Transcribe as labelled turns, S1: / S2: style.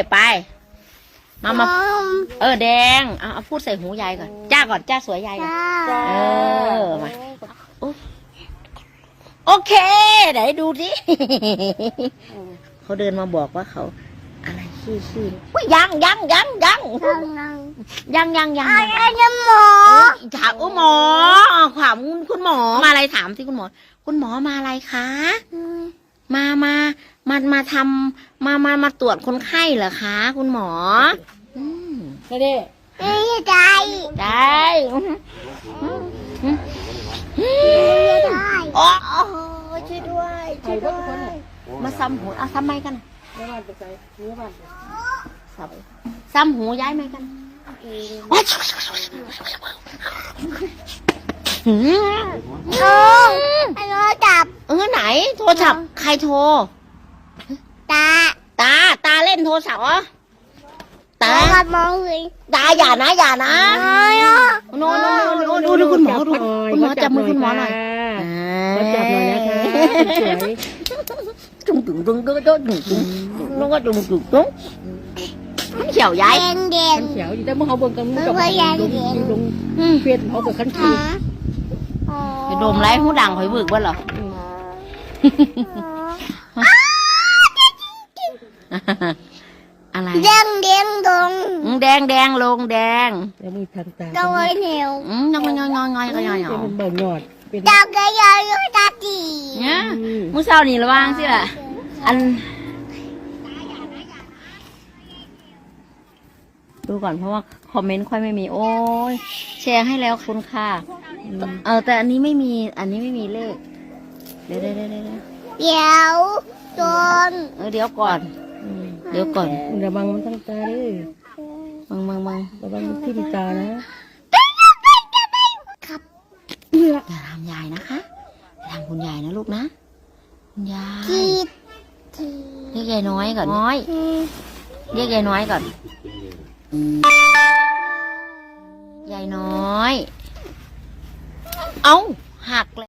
S1: ไปมาแดงเอาพูดใส่หูยายก่อนจ้าก่อนจ้าสวยยายก่อนมาโอเคไหนดูดิเขาเดินมาบอกว่าเขาอะไรขี้ยังหมอถามหมอถามคุณหมอมาอะไรถามสิคุณหมอมาอะไรคะมาทำมาตรวจคนไข้เหรอคะคุณหมอ
S2: ไม่ได้
S1: ได้โอ้ช่วยด้วยมาซ้ำหูซ้ำไหมกันซ้ำหูย้ายไหมกัน
S3: จับ
S1: ไหนโทรศัพท์ใครโทรตาเล่นโทรศัพท์เหรอตาอย่านะโนดูคุณหมอจับมือคุณหมอหน่อย
S2: จับหน่อยนะคะสวย
S1: จุ่มเขียวย้าย
S2: ขันเขียวอยู่แต่เมื่อเขาบนกันกับลงเฟียนเขากับขันเขียว
S1: ไปดมไรหูดังหอยบึกบ้านเหรออะไร
S3: แดงลง
S1: แล้ว
S2: มีทางตา
S3: ก็ไว้เหนียว
S1: งอย
S2: เป็นบ่หยอด
S3: ดาวก็ยอยตาตี
S1: เนี่ยมื้อเช้านี่ระวังสิล่ะดูก่อนเพราะว่าคอมเมนต์ค่อยไม่มีโอ้ยแชร์ให้แล้วคุณค่ะแต่อันนี้ไม่มีเลขเดี๋ยว
S3: โดน
S1: เดี๋ยวก่อน
S2: ระวังมันทั้งตาเลย
S1: มึง
S2: ระวังมันทิ่มตานะครับ
S1: อย่าทำยายนะคะอย่าทำคุณยายนะลูกนะคุณยายเรียกยายน้อยก่อนเรียกยายน้อยก่อนยายน้อยหักเลย